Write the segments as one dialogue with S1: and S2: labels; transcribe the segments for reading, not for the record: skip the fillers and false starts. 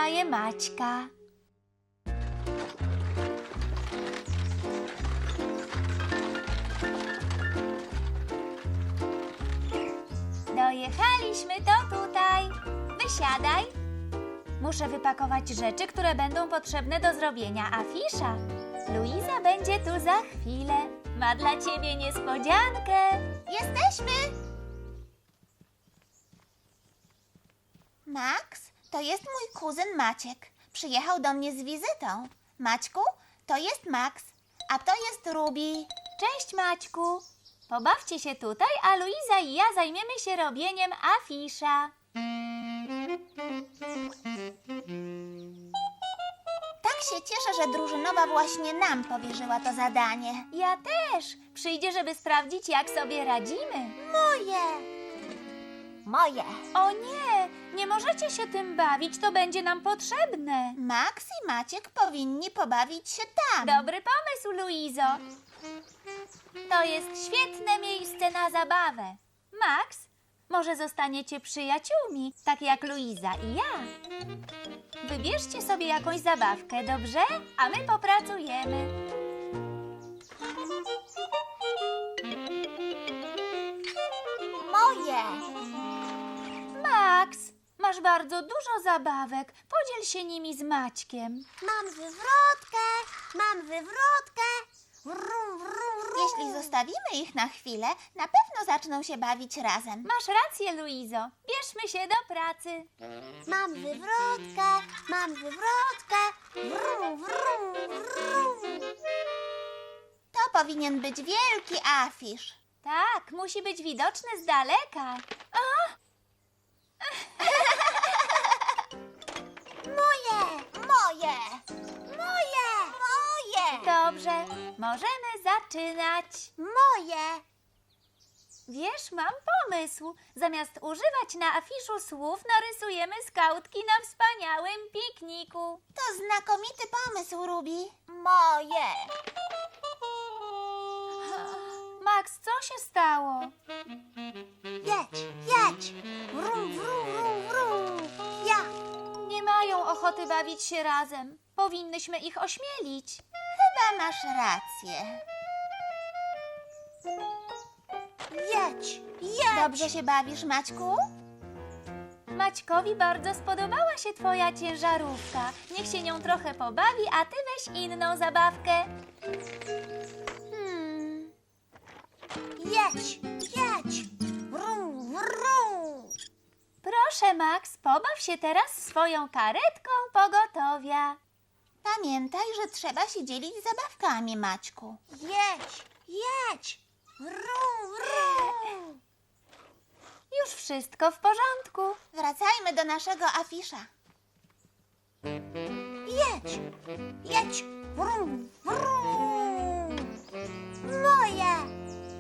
S1: poznaje Maćka. Dojechaliśmy, to tutaj. Wysiadaj. Muszę wypakować rzeczy, które będą potrzebne do zrobienia afisza. Luiza będzie tu za chwilę. Ma dla ciebie niespodziankę.
S2: Jesteśmy! Max, to jest mój kuzyn Maciek. Przyjechał do mnie z wizytą. Maćku, to jest Max, a to jest Ruby.
S1: Cześć, Maćku. Pobawcie się tutaj, a Luiza i ja zajmiemy się robieniem afisza.
S2: Tak się cieszę, że drużynowa właśnie nam powierzyła to zadanie.
S1: Ja też. Przyjdzie, żeby sprawdzić, jak sobie radzimy.
S2: Moje! Moje!
S1: O nie, nie możecie się tym bawić, to będzie nam potrzebne.
S2: Max i Maciek powinni pobawić się tam.
S1: Dobry pomysł, Luizo. To jest świetne miejsce na zabawę. Max, może zostaniecie przyjaciółmi, tak jak Luiza i ja. Wybierzcie sobie jakąś zabawkę, dobrze? A my popracujemy.
S2: Moje!
S1: Max, masz bardzo dużo zabawek. Podziel się nimi z Maćkiem.
S2: Mam wywrotkę! Mam wywrotkę! Wrum, wrum, wrum. Jeśli zostawimy ich na chwilę, na pewno zaczną się bawić razem.
S1: Masz rację, Luizo. Bierzmy się do pracy.
S2: Mam wywrotkę! Mam wywrotkę! Wrum, wrum, wrum. To powinien być wielki afisz.
S1: Tak, musi być widoczny z daleka.
S2: Moje! Moje! Moje! Moje!
S1: Dobrze, możemy zaczynać.
S2: Moje!
S1: Wiesz, mam pomysł. Zamiast używać na afiszu słów, narysujemy skautki na wspaniałym pikniku.
S2: To znakomity pomysł, Ruby. Moje!
S1: Max, co się stało?
S2: Jedź! Jedź! Wrum, wrum, wrum, wrum. Ja!
S1: Nie mają ochoty bawić się razem. Powinnyśmy ich ośmielić.
S2: Chyba masz rację. Jedź! Jedź! Dobrze się bawisz, Maćku?
S1: Maćkowi bardzo spodobała się twoja ciężarówka. Niech się nią trochę pobawi, a ty weź inną zabawkę.
S2: Jedź! Jedź! Wrum, wrum.
S1: Proszę, Max, pobaw się teraz swoją karetką pogotowia.
S2: Pamiętaj, że trzeba się dzielić zabawkami, Maćku. Jedź! Jedź! Wrum, wrum.
S1: Już wszystko w porządku.
S2: Wracajmy do naszego afisza. Jedź! Jedź! Wrum, wrum. Moje!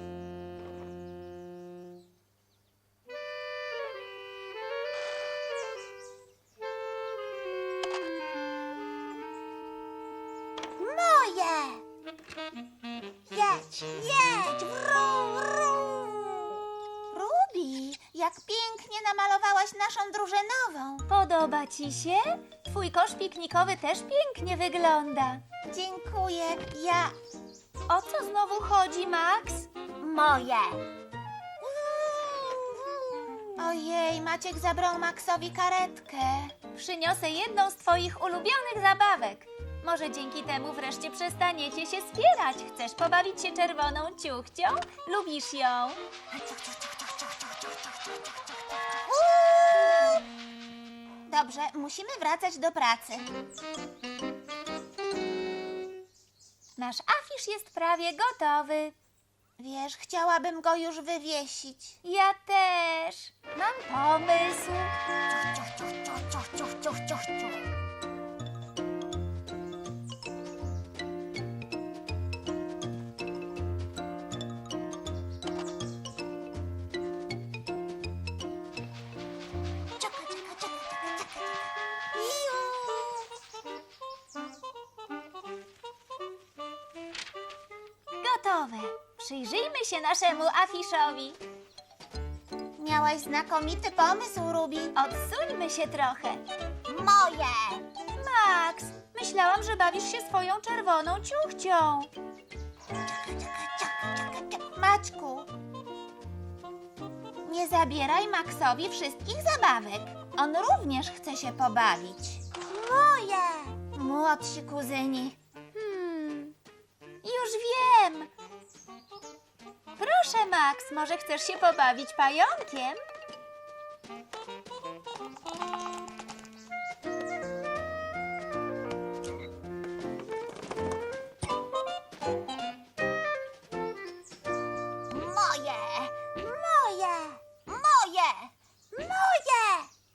S2: Moje! Jedź! Jedź! Wrum, wrum. Ruby, jak pięknie namalowałaś naszą drużynową.
S1: Podoba ci się? Twój kosz piknikowy też pięknie wygląda.
S2: Dziękuję. Ja...
S1: O co znowu chodzi, Max?
S2: Moje. Ojej, Maciek zabrał Maxowi karetkę.
S1: Przyniosę jedną z twoich ulubionych zabawek. Może dzięki temu wreszcie przestaniecie się spierać. Chcesz pobawić się czerwoną ciuchcią? Lubisz ją?
S2: Dobrze, musimy wracać do pracy.
S1: Nasz afisz jest prawie gotowy.
S2: Wiesz, chciałabym go już wywiesić.
S1: Ja też. Mam pomysł. Gotowe. Przyjrzyjmy się naszemu afiszowi.
S2: Miałaś znakomity pomysł, Ruby.
S1: Odsuńmy się trochę.
S2: Moje!
S1: Max, myślałam, że bawisz się swoją czerwoną ciuchcią.
S2: Maćku, nie zabieraj Maxowi wszystkich zabawek. On również chce się pobawić. Moje! Młodsi kuzyni.
S1: Już wiem. Proszę, Max, może chcesz się pobawić pająkiem?
S2: Moje! Moje! Moje! Moje!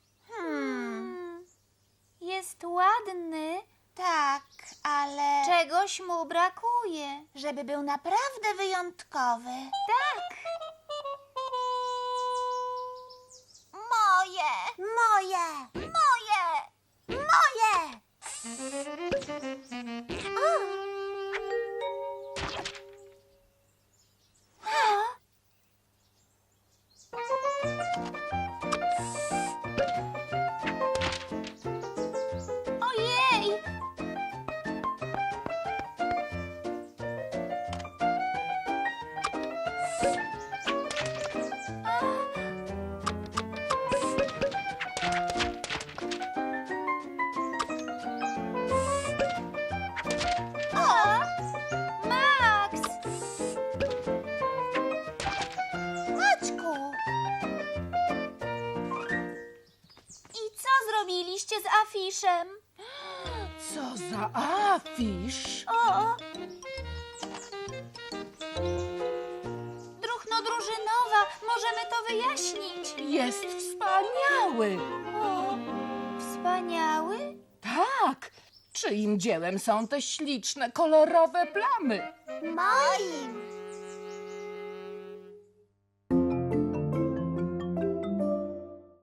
S1: Jest ładny.
S2: Tak, ale
S1: Czegoś mu brakuje.
S2: żeby był naprawdę wyjątkowy.
S1: Tak.
S2: Moje! Moje! Moje! Moje!
S1: Ojej!
S2: O!
S1: Max!
S2: Maćku!
S1: I co zrobiliście z afiszem?
S3: Co za afisz?
S1: O! Druchno drużynowa, możemy to wyjaśnić.
S3: Jest wspaniały.
S1: O, wspaniały?
S3: Tak. Czyim dziełem są te śliczne, kolorowe plamy?
S2: Moim!